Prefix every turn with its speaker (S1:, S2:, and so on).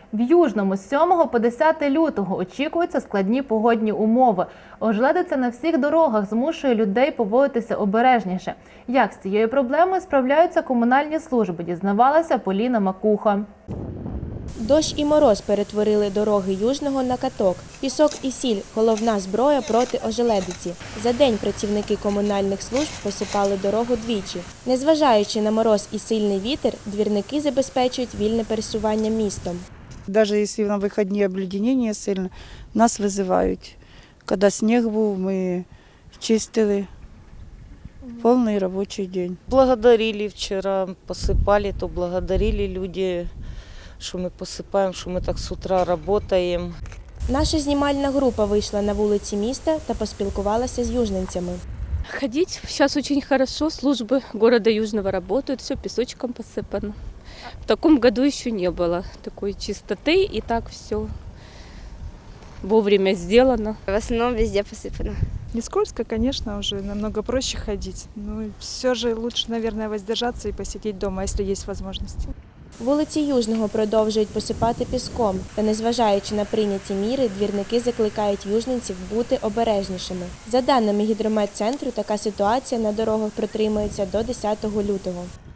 S1: В Южному з 7 по 10 лютого очікуються складні погодні умови. Ожеледиця на всіх дорогах змушує людей поводитися обережніше. Як з цією проблемою справляються комунальні служби, дізнавалася Поліна Макуха.
S2: Дощ і мороз перетворили дороги Южного на каток. Пісок і сіль – головна зброя проти ожеледиці. За день працівники комунальних служб посипали дорогу двічі. Незважаючи на мороз і сильний вітер, двірники забезпечують вільне пересування містом.
S3: Даже если на выходные обледенение сильно, нас вызывают. Когда снег був, ми чистили повний робочий день.
S4: Благодарили вчера, посыпали, то благодарили люди, что мы посыпаем, что мы так с утра работаем.
S2: Наша знімальна група вийшла на вулиці міста та поспілкувалася з южненцями.
S5: Ходить сейчас очень хорошо, службы города Южного работают, все песочком посыпано. В таком году еще не было такой чистоты, и так все вовремя сделано.
S6: В основном везде посыпано.
S7: Не скользко, конечно, уже намного проще ходить. Но все же лучше, наверное, воздержаться и посидеть дома, если есть возможность.
S2: Вулиці Южного продовжують посипати піском. Та незважаючи на прийняті міри, двірники закликають южненців бути обережнішими. За даними гідрометцентру, така ситуація на дорогах протримається до 10 лютого.